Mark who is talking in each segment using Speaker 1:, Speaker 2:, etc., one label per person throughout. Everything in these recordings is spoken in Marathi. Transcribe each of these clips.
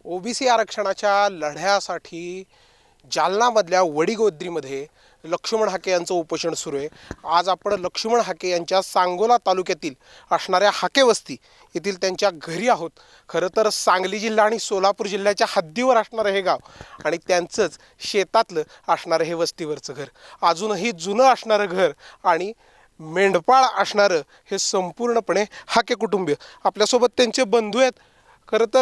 Speaker 1: ओबीसी आरक्षणाच्या लढ्यासाठी जालनामधल्या वडीगोद्रीमध्ये लक्ष्मण हाके यांचं उपोषण सुरू आहे। आज आपण लक्ष्मण हाके यांच्या सांगोला तालुक्यातील असणाऱ्या हाके वस्ती येथील त्यांच्या घरी आहोत। खरं तर सांगली जिल्हा आणि सोलापूर जिल्ह्याच्या हद्दीवर असणारं हे गाव आणि त्यांचंच शेतातलं असणारं हे वस्तीवरचं घर, अजूनही जुनं असणारं घर आणि मेंढपाळ असणारं हे संपूर्णपणे हाके कुटुंबीय। आपल्यासोबत त्यांचे बंधू आहेत। खरं तर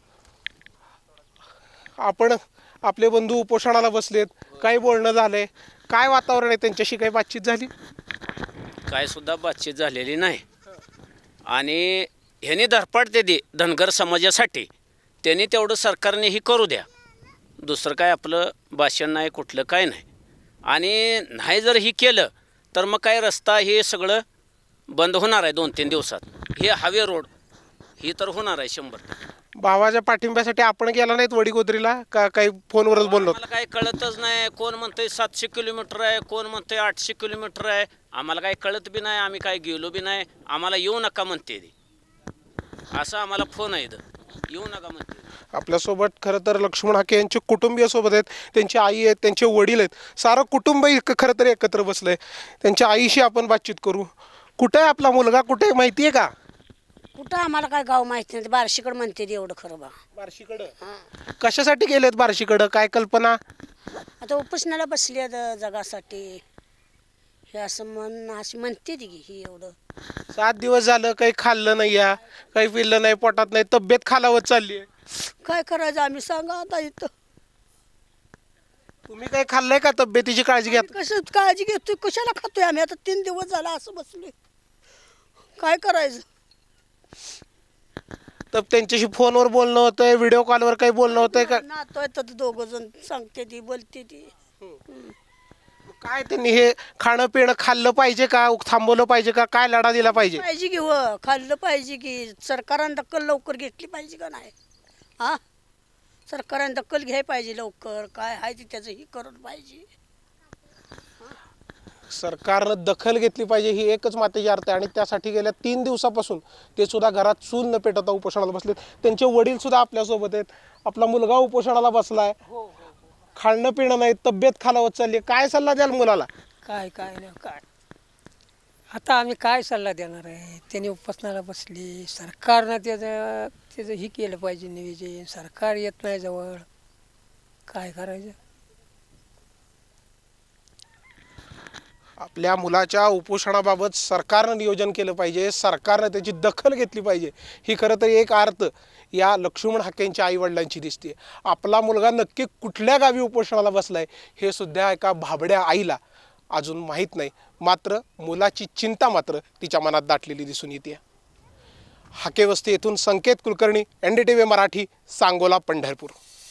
Speaker 1: आपण आपले बंधू उपोषणाला बसलेत, काय बोलणं झालंय, काय वातावरण आहे, त्यांच्याशी काही बातचीत झाली?
Speaker 2: काय सुद्धा बातचीत झालेली नाही। आणि ह्यांनी धरपडते दे धनगर समाजासाठी, त्यांनी तेवढं सरकारने ही करू द्या, दुसरं काय आपलं भाषण नाही, कुठलं काय नाही। आणि नाही जर ही केलं तर मग काय रस्ता हे सगळं बंद होणार आहे 2-3 दिवसात। हे हायवे रोड ही तर होणार आहे 100%।
Speaker 1: भावाच्या पाठिंब्यासाठी आपण गेला नाहीत वडीगोद्रीला का? काही फोनवरच बोललो?
Speaker 2: आम्हाला काही कळतच नाही, कोण म्हणतंय 700 किलोमीटर आहे, कोण म्हणतंय 800 किलोमीटर आहे, आम्हाला काही कळत बी नाही, आम्ही काही गेलो बी नाही। आम्हाला येऊ नका म्हणते ती, असं आम्हाला फोन आहे, येऊ नका म्हणते।
Speaker 1: आपल्यासोबत खरं तर लक्ष्मण हाके यांचे कुटुंबीय सोबत आहेत, त्यांची आई आहेत, त्यांचे वडील आहेत, सारं कुटुंब खरं तर एकत्र बसलंय। त्यांच्या आईशी आपण बातचीत करू। कुठे आहे आपला मुलगा, कुठे आहे माहिती आहे का?
Speaker 3: कुठं आम्हाला काय गाव माहिती नाही, बार्शीकडं म्हणते ते एवढं खरं बा।
Speaker 1: बार्शीकडं कशासाठी गेलेत? बार्शीकडं काय कल्पना?
Speaker 3: आता उपोषणाला बसली आहेत जगासाठी, हे असं अशी म्हणते ती की ही एवढं
Speaker 1: 7 दिवस झालं काही खाल्लं नाही, या काही पिल्लं नाही, पोटात नाही, तब्येत खालावत चालली आहे।
Speaker 3: काय करायचं आम्ही सांगा आता इथं?
Speaker 1: तुम्ही काही खाल्लंय का? तब्येतीची काळजी घ्या।
Speaker 3: कसं काळजी घेतोय, कशाला खातोय आम्ही? आता 3 दिवस झाला असं बसलोय, काय करायचं?
Speaker 1: तर त्यांच्याशी फोनवर बोलणं होतंय, व्हिडिओ कॉलवर काही बोलणं होतंय का?
Speaker 3: नातोय तर 2 जण सांगते ती, बोलते ती।
Speaker 1: काय त्यांनी हे खाणं पिणं खाल्लं पाहिजे का, थांबवलं पाहिजे का, काय लढा दिला पाहिजे?
Speaker 3: पाहिजे की खाल्लं पाहिजे की, सरकारने दखल लवकर घेतली पाहिजे का नाही? हा, सरकारने दखल घ्यायला पाहिजे लवकर, काय आहे ते त्याचं ही करत पाहिजे।
Speaker 1: सरकारनं दखल घेतली पाहिजे ही एकच मातेची अर्थ आहे। आणि त्यासाठी गेल्या 3 दिवसापासून ते सुद्धा घरात चूल न पेटवता उपोषणाला बसलेत। त्यांचे वडील सुद्धा आपल्यासोबत आहेत, आपला मुलगा उपोषणाला बसलाय, खाणं पिणं नाही, तब्येत खालावत चालली आहे। काय सल्ला द्याल मुलाला?
Speaker 4: काय नाही काय, आता आम्ही काय सल्ला देणार आहे? त्यांनी उपोषणाला बसली, सरकारनं त्याचं ही केलं पाहिजे नियोजन, सरकार येत नाही जवळ, काय करायचं?
Speaker 1: आपल्या मुलाच्या उपोषणाबाबत सरकारनं नियोजन केलं पाहिजे, सरकारनं त्याची दखल घेतली पाहिजे, ही खरं तर एक अर्थ या लक्ष्मण हाकेंच्या आईवडिलांची दिसते। आपला मुलगा नक्की कुठल्या गावी उपोषणाला बसलाय हे सुद्धा एका भाबड्या आईला अजून माहीत नाही, मात्र मुलाची चिंता मात्र तिच्या मनात दाटलेली दिसून येते। हाके वस्ती येथून संकेत कुलकर्णी, NDTV मराठी, सांगोला, पंढरपूर।